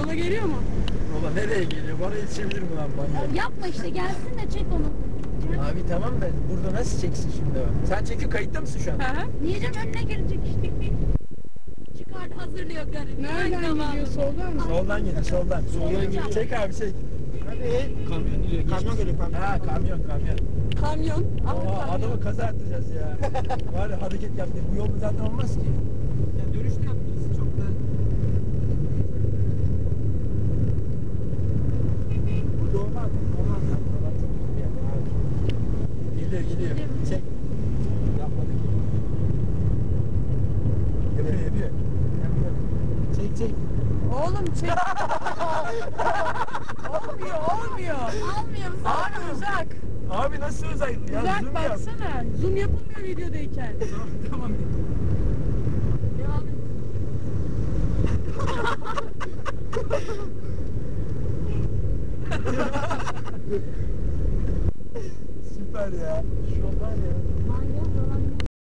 Sana geliyor mu? Baba nereye geliyor? Bana yetişebilir mi lan manyak? Yapma işte, gelsin de çek onu. Abi tamam da burada nasıl çeksin şimdi o? Sen çekiyor, kayıtta mısın şu an? Hı hı. Niye'cim önüne girecek işte. Çıkart, hazırlıyor garip. Nereden gidiyor? Soldan mı? Soldan geliyor, soldan. Soldan geliyor. Çek abi çek. Hadi. Kamyon geliyor. Kamyon geliyor, kamyon. Ha kamyon. Kamyon. Oha adamı kaza attıracağız ya. Var ya hareket yaptı. Bu yolda zaten olmaz ki. Ya dönüşte yaptınız çok da. Burada olmaz. Olmaz ya. Buralar çok iyi bir yer. Geliyor. Çek. Yapmadı ki. Yapıyor. Çek. Oğlum çek. Olmuyor. Almıyor musun? Abi uzak. Abi nasıl uzak? Ya Uzak zoom yap. baksana. Zoom yapılmıyor videodayken. Tamam. Devam et. Süper ya. Şu var ya. Manyak falan.